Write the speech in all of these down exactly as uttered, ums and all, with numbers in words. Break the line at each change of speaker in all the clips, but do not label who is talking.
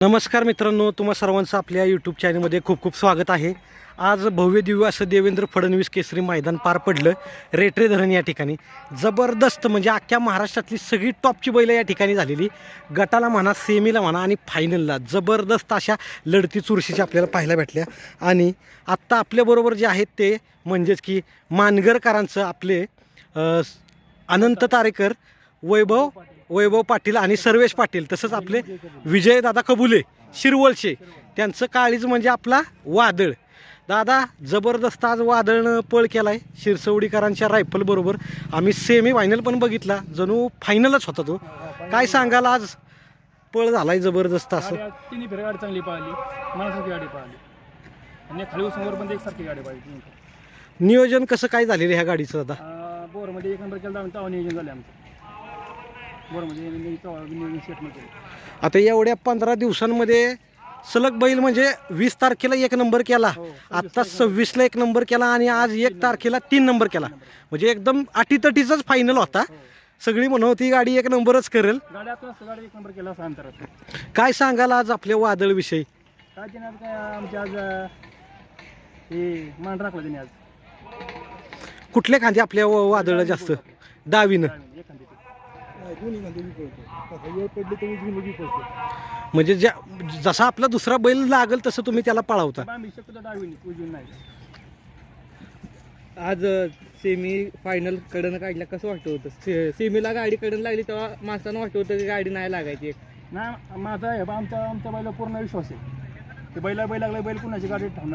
नमस्कार मित्रांनो, तुम्हा सर्वांचं आपल्या यूट्यूब चॅनलमध्ये खूप खूप स्वागत आहे. आज भव्य दिव्य असं देवेंद्र फडणवीस केसरी मैदान पार पडलं रेटरे धरण या ठिकाणी. जबरदस्त म्हणजे अख्ख्या महाराष्ट्रातली सगळी टॉपची बैलं या ठिकाणी झालेली. गटाला म्हणा, सेमीला म्हणा आणि फायनलला जबरदस्त अशा लढती चुरशीच्या आपल्याला पाहायला भेटल्या. आणि आत्ता आपल्याबरोबर जे आहेत ते म्हणजेच की मानगरकरांचं आपले अनंत तारेकर, वैभव वैभव पाटील आणि सर्वेश पाटील, तसंच आपले विजयदादा कबुले शिरवळचे, त्यांचं काळीज म्हणजे आपला वादळ. दादा जबरदस्त आज वादळनं पळ केलाय शिरसवडीकरांच्या रायफल बरोबर. आम्ही सेमी फायनल पण बघितला, जणू फायनलच होता तो. काय सांगाल, आज पळ झालाय जबरदस्त असं?
तिन्ही फेर गाडी चांगली पाहिली, मनासारखी गाडी पाहिली आणि खाली समोर पण एकसारखी गाडी पाहिली.
नियोजन कसं काय झालेलं ह्या गाडीचं दादा?
बोरमध्ये एक नंबर केला, तेव्हा नियोजन झालं आमचं.
आता एवढ्या पंधरा दिवसांमध्ये सलग बैल म्हणजे वीस तारखेला एक नंबर केला, आता सव्वीसला एक नंबर केला आणि आज एक तारखेला तीन नंबर केला. म्हणजे एकदम अटीतटीचाच फायनल होता. सगळी म्हणत होती गाडी एक नंबरच करेल.
गाडी एक नंबर केला.
काय सांगाल आज आपल्या वादळ विषयी?
काय देणार काय आमच्या आज हे मान राखला त्यांनी. आज
कुठल्या खांदी आपल्या वादळ जास्त? डावीनं. म्हणजे ज्या जसा आपला दुसरा बैल लागल तसं तुम्ही त्याला पळावता.
आज सेमी फायनल कडनं काढल्या कसं वाटत होतं? से सेमीला गाडी कडन लागली तेव्हा माणसानं वाटत होतं की गाडी नाही लागायची.
नाही माझा आहे आमच्या आमच्या बैला पूर्ण विश्वास आहे. ते बैला बैल लागला बैल कुणाची गाडी ठेवणार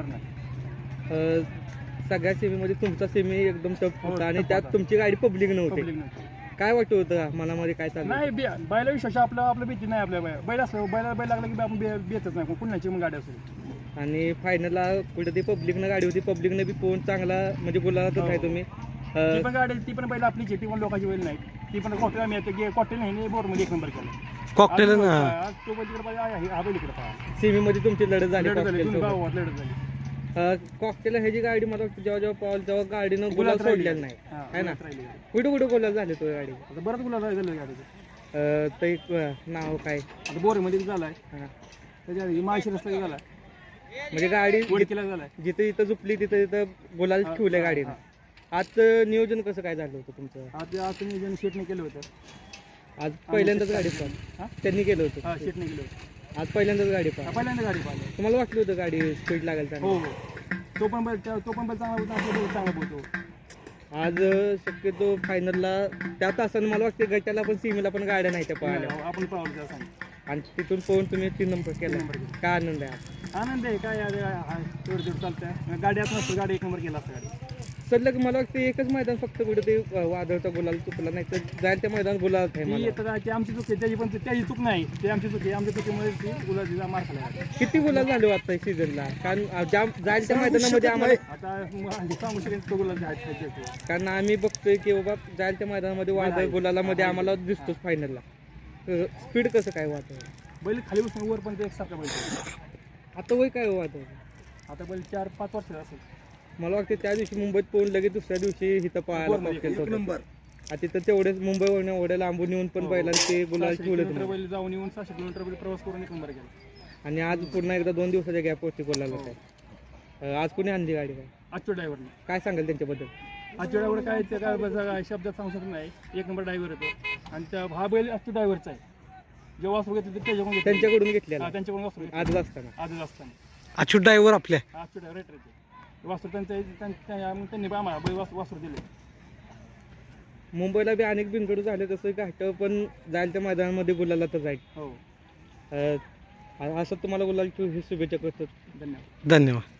नाही.
सगळ्या सेमीमध्ये तुमचा सेमी एकदम टफ होता आणि त्यात तुमची गाडी पब्लिक नव्हती. काय वाटत होतं मनामध्ये? काय चाललं?
नाही बैला विश्वास आपला आपल्या भीती नाही. आपल्या बैल असलं बैला बैल लागला की आपण बेतच नाही कुणाची मग गाडी असेल.
आणि फायनलला कुठे ती पब्लिकनं गाडी होती, पब्लिकनं बी पोहून चांगला म्हणजे बोलायला आहे तुम्ही.
ती पण गाडी ती पण बैल आपलीच आहे, ती पण लोकांची बैल नाही. ती पण कॉकटेल आम्ही येते कॉकटेल नाही बोरमध्ये एक नंबर केला.
कॉकटेल
तो बैल तिकडे पाहिजे, हा बैल इकडे पाहिजे.
सेमीमध्ये तुमची लढत झाली.
लढत झाली लढत झाली.
कॉकटेल ह्याची गाडी मला वाटतं जेव्हा जेव्हा पावल तेव्हा गाडीनं गुलाल सोडलेलं नाही आहे ना. कुठे कुठे गुलाल झाले तो गाडी?
आता बरंच गुलाल झालं गाडीचं.
तर एक नाव काय
आता बोरमध्ये झालाय, त्याच्या माळशी रस्ता झाला,
म्हणजे गाडी
वडकीला झालाय.
जिथे इथं झुपली तिथं तिथं गुलाल ठेवले गाडीनं. आज नियोजन कसं काय झालं होतं तुमचं?
आज आज नियोजन शेटने केलं होतं.
आज पहिल्यांदाच गाडी पाहिली त्यांनी केलं होतं.
हा शेटने केलं होतं.
आज पहिल्यांदाच गाडी पाहिली.
पहिल्यांदा गाडी पाहिली.
तुम्हाला वाटलं होतं गाडी स्पीड लागेल?
हो हो, तो पण बैल तो पण बैल चांगला होता, आपला बैल चांगला बोलतो.
आज शक्यतो फायनलला त्या तासानं मला वाटतं गटाला पण सीमेला पण गाड्या नाही त्या पळाल्या.
आपण पळवलं त्या सांग
आणि तिथून पोहून तुम्ही तीन नंबर केला. काय आनंद आहे?
आनंद आहे. काय तेवढं तेवढं चालतंय. गाडी असं नसतं, गाडी एक नंबर केला असतं. गाडी
सलग मला वाटतं एकच मैदान फक्त कुठे ते वादळचा गुलाल चुकला, नाही तर जायला त्या मैदान गुलाल आहे.
ती आमची चूक आहे, त्याची पण त्याची चूक नाही. ते आमची चूक आहे. आमच्या चुकीमुळे ती गुलाबीला मार खाला.
किती गुलाल झाले आता सीझनला? कारण ज्या जायला त्या मैदानामध्ये आम्हाला
आता सांगू शकेन तो गुलाब आहे.
कारण आम्ही बघतोय की बाबा जायला त्या मैदानामध्ये वादळ गुलालामध्ये आम्हाला दिसतोच फायनलला. स्पीड कसं काय वादळ?
बैल खाली बसून वर पण ते एकसारखं बैल.
आता वय काय वादळ?
आता बैल चार पाच वर्ष असेल.
मला वाटतं त्या दिवशी मुंबईत पोहून लगेच दुसऱ्या दिवशी इथं पळायला नंबर. तिथं तेवढेच मुंबईवरून एवढ्या लांबून येऊन पण बैलांना ते गुलाल ठेवले.
बैल जाऊन येऊन सहाशे किलोमीटर बैल प्रवास करून एक नंबर केला.
आणि आज पुन्हा एकदा दोन दिवसाच्या गॅपवरती गुलाला काय. आज कोणी आणली गाडी? काय
आजच्या ड्रायव्हरने काय
सांगाल त्यांच्याबद्दल?
आजच्या ड्रायव्हर काय ते काय शब्दात सांगू शकत नाही. एक नंबर ड्रायव्हर येतो आणि त्या हा बैल आजच्या ड्रायव्हरचा आहे. जेव्हा वासरू घेतले त्याच्याकडून
त्यांच्याकडून घेतलेला.
त्यांच्याकडून वासरू
आजच असताना
आजच असताना
अच्युत ड्रायव्हर आपल्या
आजच्या ड्रायव्हर येते वासरू त्यांच्या त्यांनी आम्हाला बैल वासरू दिले.
मुंबईला बी अनेक बिनगडू झाले तसं घाट पण जायला त्या मैदानामध्ये गुलाला तर जाईल.
हो
असं तुम्हाला गुलाल शुभेच्छा करतो.
धन्यवाद.
धन्यवाद.